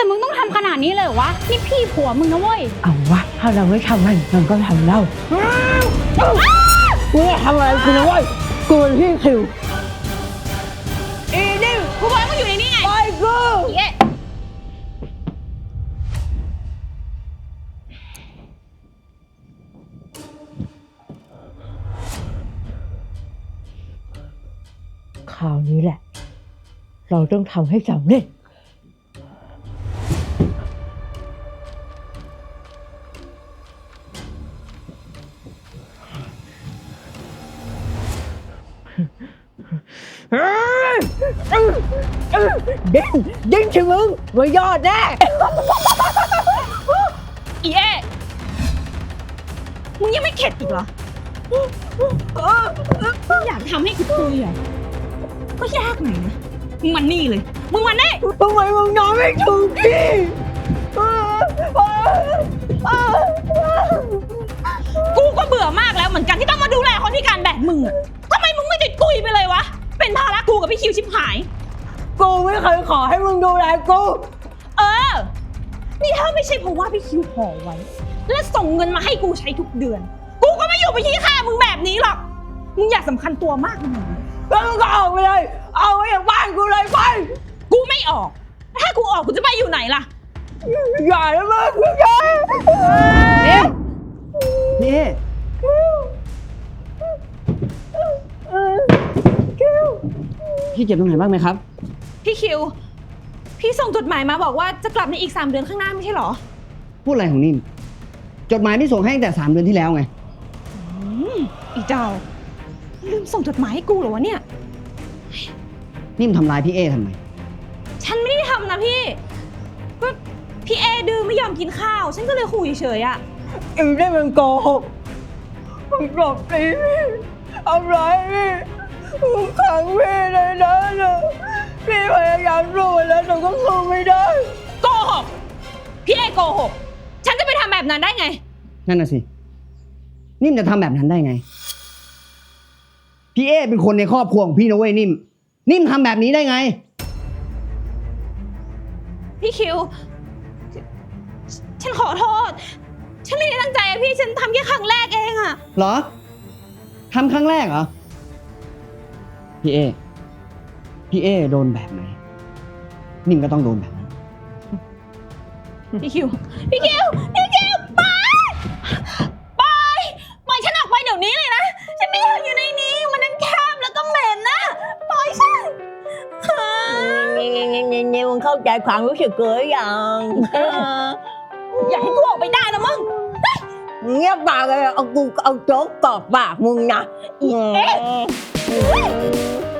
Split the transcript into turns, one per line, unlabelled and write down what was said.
มึงต้องทำขนาดนี้เลยเหรอวะนี่พี่ผัวมึงนะเว้ย
เอาวะถ้าเราไม่ทำมันก็ทำเรากูไม่ทำอะไรกูนะเว้ยกูเป็นพี่คิว
อีนี่กูบอกให้มึงอยู่ในนี้ไง
ไปกู
เย้
คราวนี้แหละเราต้องทำให้สำเร็จดิ้งชิมึงไว้ยอดแน่
อีเอ๊มึงยังไม่เข็ดอีกเหรออยากทำให้กูตุยเหรอก็ยากหน่อยนะมึงมันนี่เลยมึงมันนี่
ทำไมมึงนอนไม่ถูกพี่
กูก็เบื่อมากแล้วเหมือนกันที่ต้องมาดูแลคนพิการแบบมึงอะทำไมมึงไม่ติดกุยไปเลยวะเป็นภาระกูกับพี่คิวชิบหาย
กูไม่เคยขอให้มึงดูแลกู
นี่ถ้าไม่ใช่เพราะว่าพี่คิวห่อไว้และส่งเงินมาให้กูใช้ทุกเดือนกูก็ไม่อยู่ไปขี้ข้ามึงแบบนี้หรอกมึงอยากสำคัญตัวมากมึง
แล้วมึงก็ออกไปเลยเอาไว้อย่างบ้านกูเลยไป
กูไม่ออกถ้ากูออกกูจะไปอยู่ไหนล่ะ
อย่านะมึงอย่านี่พี่เจ็บตรงไหนบ้างไหมครับ
พี่คิวพี่ส่งจดหมายมาบอกว่าจะกลับในอีก3 เดือนข้างหน้าไม่ใช่หรอ
พูดอะไรของนิ่มจดหมายที่ส่งให้ตั้งแต่3 เดือนที่แล้วไง
อีเจ้าลืมส่งจดหมายให้กูเหรอวะเนี่ย
นิ่มทำร้ายพี่เอทำไม
ฉันไม่ได้ทำนะพี่ก็พี่เอดื้อไม่ยอมกินข้าวฉันก็เลยขู่เฉยๆอะ
อีนี่มันโกหกมันกลบตีพี่ทำร้ายพี่ผมขังพี่ในนั้นเลยพี่พยายามสู้แล้วแต่ก็สู้ไม่ได้
โกหกพี่เอโกหกฉันจะไปทำแบบนั้นได้ไง
นั่นน่ะสินิ่มจะทำแบบนั้นได้ไงพี่เอเป็นคนในครอบครัวของพี่นะเว้ยนิ่มทำแบบนี้ได้ไง
พี่คิวฉันขอโทษฉันไม่ได้ตั้งใจอะพี่ฉันทำแค่ครั้งแรกเองอะ
เหรอทำครั้งแรกเหรอพี่เอโดนแบบไหนนิ่มก็ต้องโดนแบบนั้น
พี่คิวปล่อยฉันออกไปเดี๋ยวนี้เลยนะฉันไม่อยากอยู่ในนี้มันนั่งแคบแล้วก็เหม็นนะปล่อยฉัน
นี่มึงเข้าใจความรู้สึกกูหรือยัง
อยากให้กูออกไปได้นะมึง
เงียบปากเลยเอาโจ๊กกรอกปากมึงนะ
เอ๊ะ